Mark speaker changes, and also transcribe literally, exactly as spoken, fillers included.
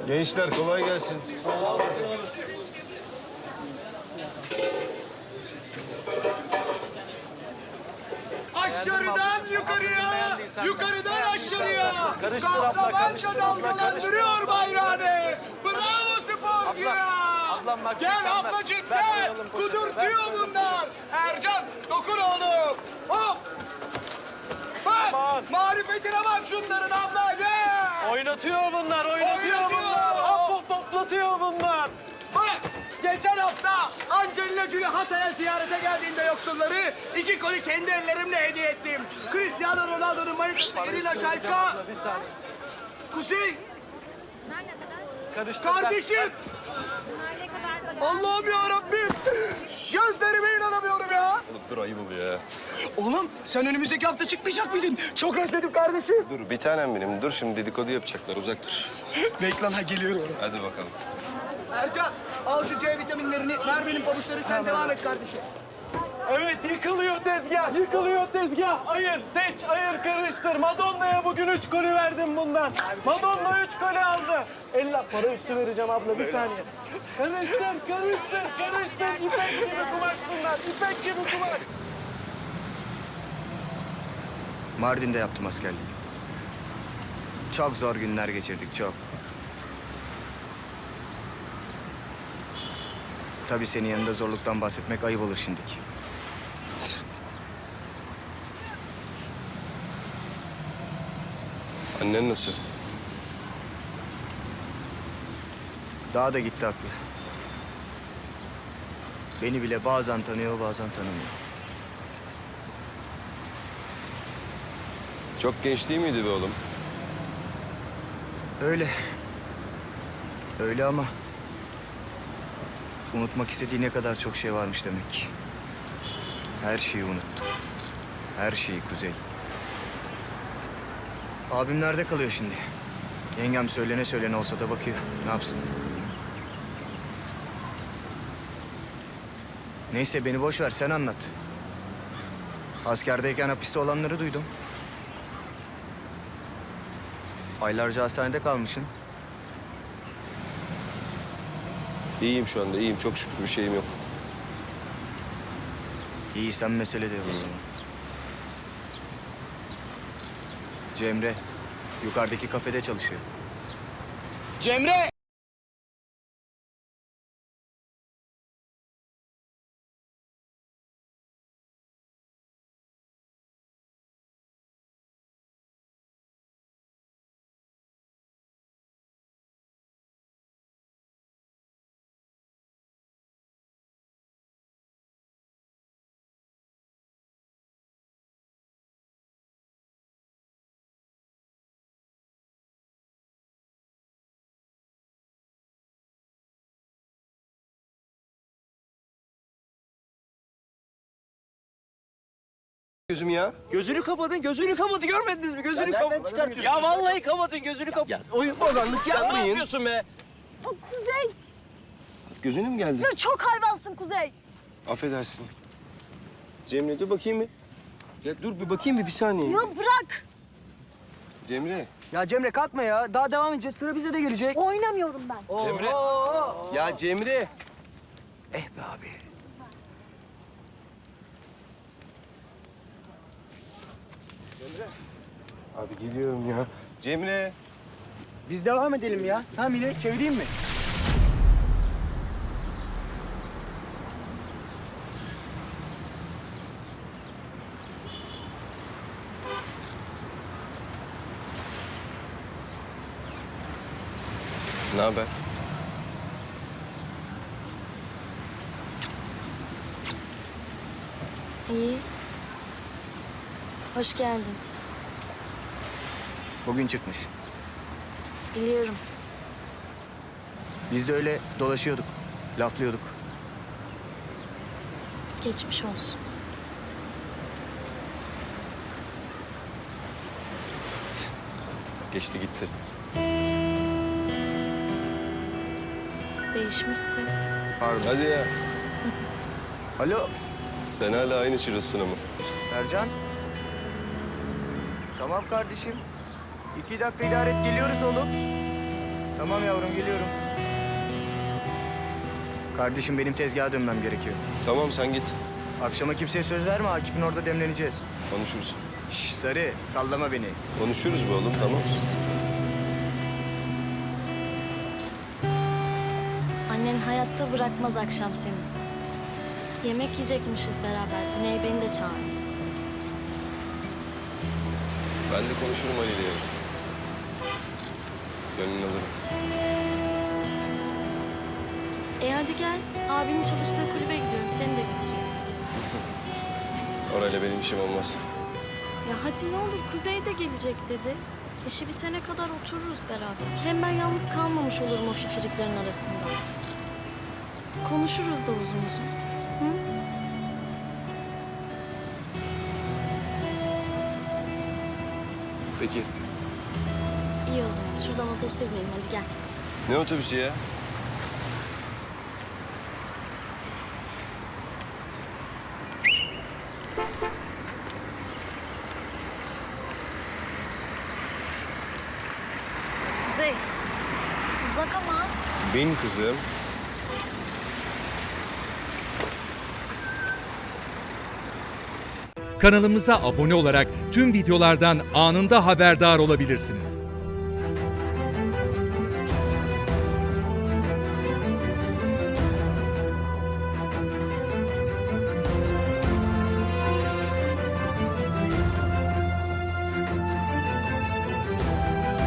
Speaker 1: Gençler kolay gelsin.
Speaker 2: Aşağıdan yukarıya, yukarıdan aşağıya.
Speaker 3: Karıştır abla, karıştır abla, karıştır.
Speaker 2: Dalgalandırıyor bayrağını. Bravo sporcuya.
Speaker 3: ablam bak,
Speaker 2: Gel
Speaker 3: sen ver.
Speaker 2: ablacık
Speaker 3: Ver
Speaker 2: gel.
Speaker 3: koyalım poşeti,
Speaker 2: Kudurtuyor bunlar. Ercan dokun oğlum. Hop. Bak
Speaker 3: Aman.
Speaker 2: marifetine bak şunların abla gel.
Speaker 3: Oynatıyor bunlar, oynatıyor,
Speaker 2: Oynatıyor.
Speaker 3: bunlar. Hop hop hoplatıyor bunlar.
Speaker 2: Bak geçen hafta Angelina Jolie Hatay'a ziyarete geldiğinde yoksulları iki golü kendi ellerimle hediye ettim. Cristiano Ronaldo'nun manitası Irina Shayka.
Speaker 3: Bir saniye.
Speaker 2: Kuzey,
Speaker 3: Karıştır.
Speaker 2: kardeşim. Allah'ım ya Rabbim. Gözlerime inanamıyorum ya.
Speaker 1: Oğlum dur ayıp oluyor ya.
Speaker 2: Oğlum sen önümüzdeki hafta çıkmayacak mıydın? Çok özledim kardeşim.
Speaker 1: Dur bir tanem benim. Dur şimdi dedikodu yapacaklar. Uzak dur.
Speaker 2: Bekle lan geliyorum.
Speaker 1: Hadi bakalım.
Speaker 2: Ercan al şu C vitaminlerini ver benim pabuçları sen devam et kardeşim.
Speaker 3: Evet, yıkılıyor tezgah, yıkılıyor tezgah. Ayır, seç, ayır, karıştır. Madonna'ya bugün üç golü verdim bundan. Madonna üç golü aldı. Elle para üstü vereceğim abla, bir saniye. Karıştır, karıştır, karıştır. İpek gibi kumaş bunlar, ipek gibi kumaş.
Speaker 4: Mardin'de yaptım askerliği. Çok zor günler geçirdik, çok. Tabii senin yanında zorluktan bahsetmek ayıp olur şimdiki.
Speaker 1: Annen nasıl?
Speaker 4: Daha da gitti aklı. Beni bile bazen tanıyor, bazen tanımıyor.
Speaker 1: Çok genç değil miydi be oğlum?
Speaker 4: Öyle. Öyle ama... unutmak istediği ne kadar çok şey varmış demek ki. Her şeyi unuttu. Her şeyi Kuzey. Abim nerede kalıyor şimdi? Yengem söylene söylene olsa da bakıyor. Ne yapsın? Neyse beni boş ver, sen anlat. Askerdeyken hapiste olanları duydum. Aylarca hastanede kalmışsın.
Speaker 1: İyiyim şu anda iyiyim. Çok şükür bir şeyim yok.
Speaker 4: İyi, sen mesele de yok o zaman. Cemre, yukarıdaki kafede çalışıyor.
Speaker 2: Cemre.
Speaker 1: Gözüm ya.
Speaker 3: Gözünü kapatın, gözünü kapatın. Görmediniz mi? Gözünü kapatın. Ya vallahi kapatın, gözünü kapatın.
Speaker 1: Oyun bozanlık
Speaker 3: Ne
Speaker 1: yapmayın.
Speaker 3: yapıyorsun be?
Speaker 5: O Kuzey,
Speaker 1: Gözüne mi geldi?
Speaker 5: ya çok hayvansın Kuzey.
Speaker 1: Affedersin. Cemre dur bakayım bir. Ya dur bir bakayım bir, bir saniye.
Speaker 5: Ya bırak.
Speaker 1: Cemre.
Speaker 6: Ya Cemre kalkma ya. Daha devam edeceğiz. Sıra bize de gelecek.
Speaker 5: Oynamıyorum ben.
Speaker 3: Cemre.
Speaker 1: Ya Cemre.
Speaker 4: Eh be abi.
Speaker 1: Abi geliyorum ya. Cemre.
Speaker 6: Biz devam edelim ya. Ha Mine, çevireyim mi?
Speaker 1: Ne haber?
Speaker 5: İyi. Hoş geldin.
Speaker 4: Bugün çıkmış.
Speaker 5: Biliyorum.
Speaker 4: Biz de öyle dolaşıyorduk, laflıyorduk.
Speaker 5: Geçmiş olsun.
Speaker 1: Geçti gitti.
Speaker 5: Değişmişsin.
Speaker 4: Pardon.
Speaker 1: Hadi ya.
Speaker 4: Alo,
Speaker 1: Sen hala aynı çırosuna mı?
Speaker 4: Ercan. Tamam kardeşim. İki dakika idare et, geliyoruz oğlum. Tamam yavrum geliyorum. Kardeşim benim tezgaha dönmem gerekiyor.
Speaker 1: Tamam sen git.
Speaker 4: Akşama kimseye söz verme, Akif'in orada demleneceğiz.
Speaker 1: Konuşuruz.
Speaker 4: Şş Sarı, sallama beni.
Speaker 1: Konuşuruz be oğlum tamam.
Speaker 5: Annen hayatta bırakmaz akşam seni. Yemek yiyecekmişiz beraber. Güney beni de çağırdı.
Speaker 1: Ben de konuşurum Ali ile. Gönlünü alırım.
Speaker 5: E hadi gel. Abinin çalıştığı kulübe gidiyorum. Seni de götüreyim.
Speaker 1: Orayla benim işim olmaz.
Speaker 5: Ya hadi ne olur Kuzey de gelecek dedi. İşi bitene kadar otururuz beraber. Hem ben yalnız kalmamış olurum o fifiriklerin arasında. Konuşuruz da uzun uzun. Hı?
Speaker 1: Peki.
Speaker 5: İyi o zaman. Şuradan otobüse binelim hadi gel.
Speaker 1: Ne otobüsü ya?
Speaker 5: Kuzey. Uzak ama.
Speaker 1: Bin kızım.
Speaker 7: Kanalımıza abone olarak tüm videolardan anında haberdar olabilirsiniz.